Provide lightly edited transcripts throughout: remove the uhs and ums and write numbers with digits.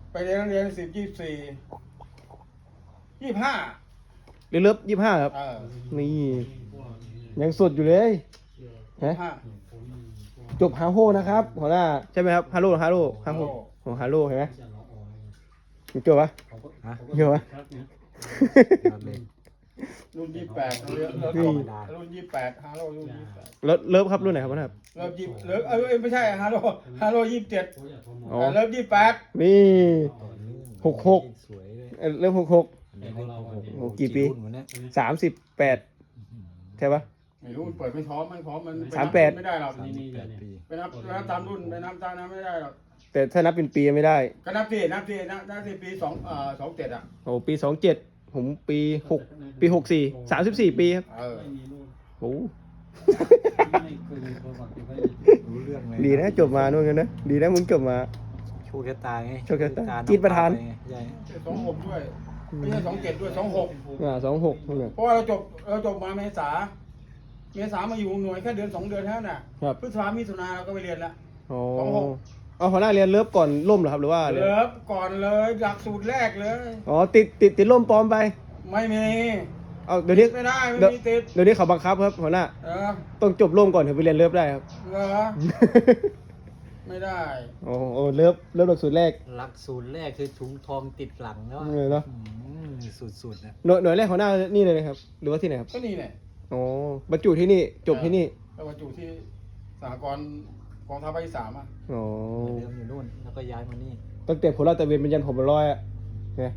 ไปเรียนนักเรียน10 24 25 เลิฟ25ครับนี่ยังสดอยู่เลยฮะจบฮาโฮนะครับหัวหน้าใช่ไหมครับฮาโลของฮาโลเห็นไหมจบปะจบปะรุ่น28รุ่น28ฮาโลรุ่น28 แล้วเลิฟครับรุ่นไหนครับหัวหน้าเลิฟไม่ใช่ฮาโล27เลิฟ28 นี่66เริ่ม66โอ้กี่ปี38ใช่ปะไม่รู้เปิดไม่พร้อมมัน 38 ไม่ได้หรอกไปนับตามรุ่นไปนับตามนั้นไม่ได้หรอกแต่ถ้านับเป็นปีไม่ได้ก็นับปีปี27อ่ะโอ้ปี27ผมปี64 34ปีครับโอ้รู้เรื่องเลยดีนะจบมานู่นกันนะดีนะมึงจบมาโชคชะตาไงโชคชะตากีดประธาน 26ด้วยไม่ใช่27ด้วย26 26 เพราะว่าเราจบมาเมษามาอยู่หน่วยแค่เดือน2 เดือนเท่านั้นน่ะพฤษภามิถุนาเราก็ไปเรียนแล้ว 26เอาหัวหน้าเรียนเลิฟก่อนล่มเหรอครับหรือว่าเลิฟก่อนเลยหลักสูตรแรกเลยอ๋อติดล่มปลอมไปไม่มีเอาเดี๋ยวนี้ไม่ได้ไม่มีติดเดี๋ยวนี้เขาบังคับครับหัวหน้าต้องจบล่มก่อนถึงไปเรียนเลิฟได้ครับเหรอไม่ได้โอ้เลิฟหลักสูตรแรกคือถุงทองติดหลังเนาะสุดๆนะหน่วยแรกหัวหน้านี่เลยครับหรือว่าที่ไหนครับก็นี่แหละอ๋อบรรจุที่นี่จบที่นี่บรรจุที่สหกรณ์กองทัพภาคที่3อ่ะอ๋อเริ่มอยู่นู่นแล้วก็ย้ายมานี่ตั้งแต่ผมลาดตระเวนเป็นยันผมเป็นร้อยอ่ะเนี่ย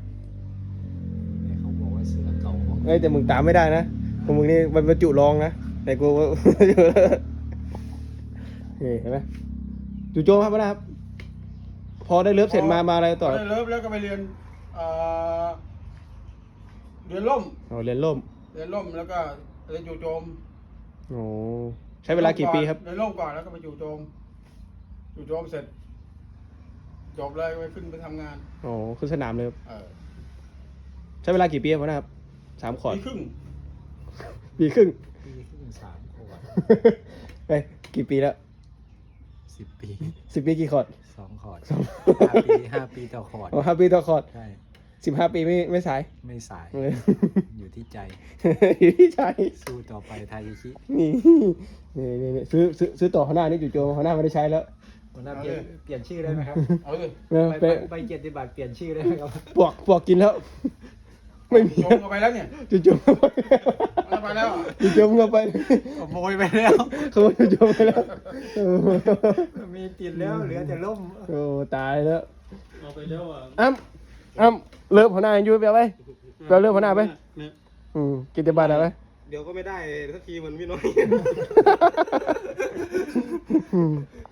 เขาบอกว่าเสือเก่าแต่มึงตามไม่ได้นะของมึงนี่บรรจุรองนะแต่กูเห็นไหมจู่โจมครับนะครับพอได้เลิฟเสร็จมาอะไรต่อได้เลิฟแล้วก็ไปเรียนล่มเรียนล่มแล้วก็เรียนจู่โจมโอ้ใช้เวลากี่ปีครับเรียนล่มก่อนแล้วก็ไปจู่โจมเสร็จจบเลยไปขึ้นไปทำงานขึ้นสนามเลยใช้เวลากี่ปีครับนะครับ3 ขวดปีครึ่ง 3 ขวดไปกี่ปีแล้ว 10 ปี 10 ปีกี่ขวด 2 ขวด5 ปีต่อขวด 5 ปีต่อขวดใช่ 15 ปีไม่สายอยู่ที่ใจสู้ต่อไปไทยชินี่ซื้อต่อข้างหน้านี่จู่โจมข้างหน้าไม่ได้ใช้แล้วหัวหน้าเปลี่ยนชื่อได้ไหมครับใบเกียรติบัตรเปลี่ยนชื่อได้ไหมครับปวกกินแล้วไม่มีจมเข้าไปแล้วเนี่ยจู่โจมไปแล้วจู่โจมเข้าไปขโมยไปแล้วจู่โจมไปแล้วมีติดแล้วเหลือแต่ล่มโอ้ตายแล้วเอาไปแล้วอ่ะอ้ำเลิฟหัวหน้าอยู่ไปเอาไปเลิฟหัวหน้าไปกินแต่บาทอะไรเดี๋ยวก็ไม่ได้สักทีมันไม่น้อย